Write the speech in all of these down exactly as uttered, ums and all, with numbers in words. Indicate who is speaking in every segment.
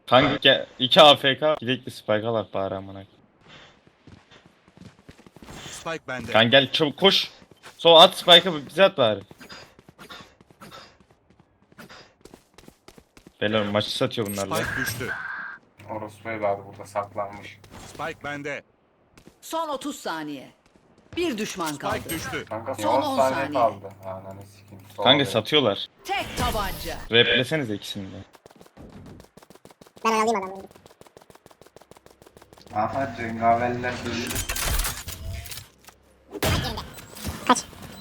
Speaker 1: Kanka iki A F K gidekli spike alak bari amına.
Speaker 2: Spike bende.
Speaker 1: Kanka gel çabuk koş. Sol at spike'ı bize at bari. Beyler maçı satıyor bunlarla.
Speaker 2: Spike düştü.
Speaker 3: Orospu evladı burada saklanmış.
Speaker 2: Spike bende.
Speaker 4: Son otuz saniye. Bir düşman kaldı.
Speaker 2: Spike düştü.
Speaker 3: Kanka
Speaker 4: Son
Speaker 3: son
Speaker 4: on
Speaker 3: on saniye
Speaker 4: saniye.
Speaker 3: kaldı. Ananı sikeyim. Sol
Speaker 1: Kanka
Speaker 3: benim.
Speaker 1: satıyorlar.
Speaker 4: Tek tabanca.
Speaker 1: Replesenize ikisini de.
Speaker 5: Ben alayım adamı.
Speaker 3: Aha cengaverler geliyor.
Speaker 5: Kaç.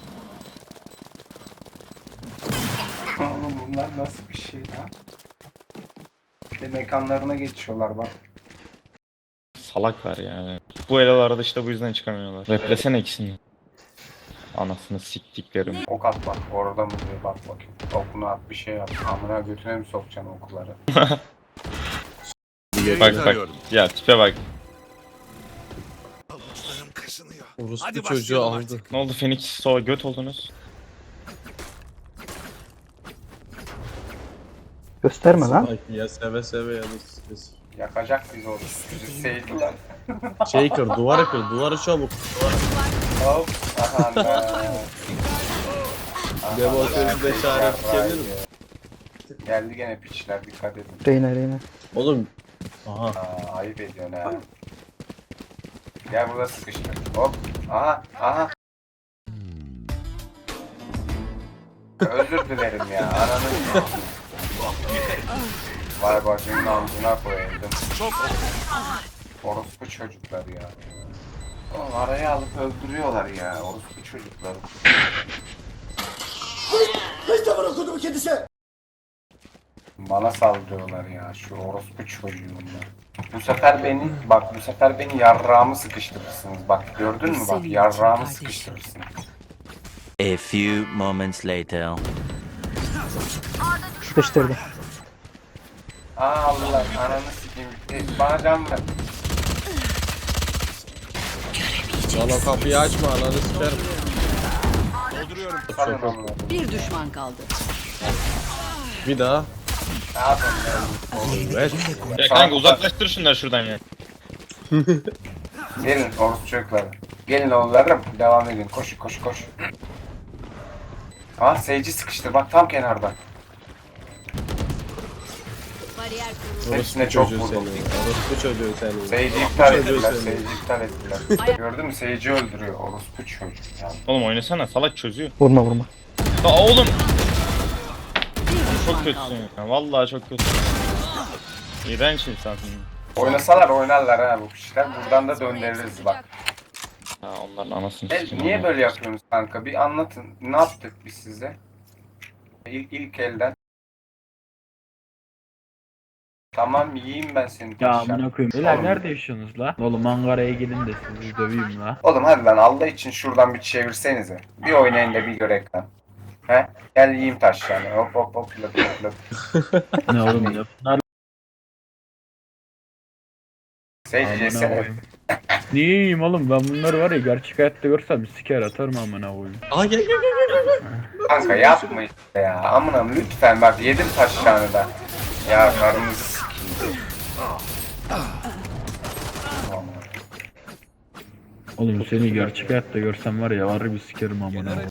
Speaker 3: Oğlum bunlar nasıl bir şey lan? Bir de mekanlarına geçiyorlar bak.
Speaker 1: Salaklar yani. Bu elalarda işte bu yüzden çıkamıyorlar. Replesene ikisini de. Anasını siktiklerim.
Speaker 3: Ok at bak orada mı diye bak bakayım. Okunu at bir şey yap. Amına götüne mi sokacaksın okuları?
Speaker 2: Yayı
Speaker 1: Bak bak.
Speaker 2: tarıyorum.
Speaker 1: Ya tipe bak.
Speaker 2: Avuçlarım kaşınıyor.
Speaker 6: Orospu
Speaker 2: Hadi
Speaker 6: çocuğu
Speaker 2: başlayalım
Speaker 6: aldı.
Speaker 2: artık.
Speaker 1: Ne oldu Phoenix sola göt oldunuz?
Speaker 7: Gösterme lan.
Speaker 6: Spike ya seve seve ya da s-
Speaker 3: Yakacak bizi o. Bizi sevdiler.
Speaker 6: şey kır, duvarı kır, duvarı çabuk.
Speaker 3: Hop. Aha be.
Speaker 6: Debo sözü de çare tükebilir mi?
Speaker 3: Geldi gene piçler dikkat edin.
Speaker 7: Reyna Reyna.
Speaker 6: Oğlum. Aha.
Speaker 3: Aa, ayıp ediyorsun ha. Gel burada sıkıştır. Hop. Aha. Aha. Özür dilerim ya. Ananı. Vay bacının amcına koyaydım.
Speaker 2: Çok
Speaker 3: Orospu çocuklar ya. Oğlum araya alıp öldürüyorlar ya. Orospu çocukları. Bana saldırıyorlar ya şu orospu çocuğunla. Bu sefer beni bak bu sefer beni yarrağımı sıkıştırırsınız. Bak gördün mü bak yarrağımı sıkıştırırsınız.
Speaker 8: A few moments later.
Speaker 7: Sıkıştırdı.
Speaker 3: Aa Allah ananı sikeyim. E, bana can ver.
Speaker 6: Lan o kapıyı açma ananı sikerim.
Speaker 2: dolduruyorum.
Speaker 3: Sanın onu.
Speaker 4: Bir düşman kaldı.
Speaker 6: Bir daha.
Speaker 3: Ne yapayım
Speaker 6: Evet.
Speaker 1: Ya kanka uzaklaştır şunları şuradan ya.
Speaker 3: ben? Gelin orospu çocukları. Gelin oğullarım. Devam edin. Koş koş koş. Aa seyirci sıkıştı bak tam kenarda.
Speaker 4: Bariyer kurulu.
Speaker 6: Orospu
Speaker 3: Hepsine çok
Speaker 6: çocuğu
Speaker 3: vurdum.
Speaker 6: seni. Orospu çocuğu seni.
Speaker 3: Seyirci iptal
Speaker 6: Çocuğu
Speaker 3: ettiler.
Speaker 6: seni.
Speaker 3: Seyirci iptal ettiler. Gördün mü? Seyirci öldürüyor. Orospu çocuk ya.
Speaker 1: Oğlum oynasana salak çözüyor.
Speaker 7: Vurma vurma.
Speaker 1: Da oğlum
Speaker 4: Bir düşman
Speaker 1: çok kötüsün
Speaker 4: kaldı.
Speaker 1: ya. Vallahi çok kötüsün. İğrenç insansın.
Speaker 3: Oynasalar oynarlar ha bu kişiler. Buradan da döndürürüz bak.
Speaker 1: Ha onların anasını
Speaker 3: E,
Speaker 1: sikeyim
Speaker 3: niye
Speaker 1: ama.
Speaker 3: böyle yapıyorsunuz kanka? Bir anlatın. Ne yaptık biz size? İlk, ilk elden. Tamam yiyeyim ben seni.
Speaker 9: Ya
Speaker 3: taşacağım.
Speaker 9: amına koyayım. Beyler
Speaker 3: Oğlum-
Speaker 9: nerede yaşıyorsunuz la? Oğlum Ankara'ya gelin de sizi döveyim la.
Speaker 3: Oğlum hadi lan Allah için şuradan bir çevirsenize. Bir oynayın da bir görek lan. He? Gel yiyeyim taşlarını. Hop hop hop löp löp löp.
Speaker 9: Ne oğlum ya? Bunlar
Speaker 3: Seyirci
Speaker 9: amına
Speaker 3: yesene.
Speaker 9: koyayım. Niye yiyeyim oğlum? Ben bunları var ya gerçek hayatta görsem siker atarım amına koyayım.
Speaker 6: Aa gel gel gel gel.
Speaker 3: Kanka yapma işte ya. Amına lütfen bak yedim taşlarını da. Ya karnınızı sikeyim. Aman.
Speaker 9: Oğlum seni gerçek hayatta görsem var ya var bir sikerim amına koyayım.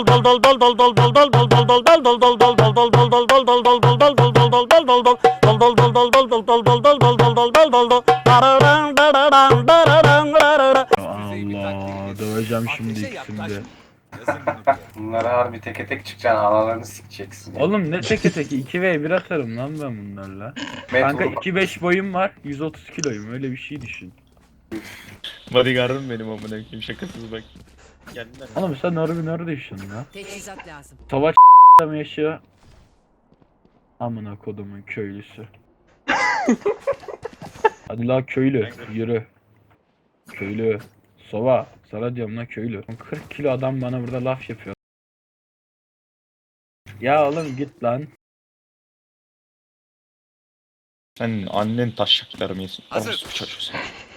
Speaker 9: Allah döveceğim şimdi ikisini de.
Speaker 3: Bunlara harbi teke tek çıkacaksın, analarını sikeceksin. ya.
Speaker 9: Oğlum ne teke teke iki ve bir atarım lan ben bunlarla.
Speaker 3: Met
Speaker 9: Kanka
Speaker 3: vur-
Speaker 9: iki beş boyum var yüz otuz kiloyum öyle bir şey düşün.
Speaker 1: Bodyguard'ım benim amına koyayım şakasız bak. Geldiler.
Speaker 9: Oğlum sen harbi nerede yaşıyorsun lan?
Speaker 4: Teçhizat lazım.
Speaker 9: Savaş mı yaşıyor? Amına kodumun köylüsü. Hadi la köylü yürü. Köylü. Sova. Sana diyorum la köylü. kırk kilo adam bana burada laf yapıyor. Ya oğlum git lan.
Speaker 1: Sen annen taşacaklarımı yesin.
Speaker 2: Hazır.
Speaker 1: Orospu çocuğu sen.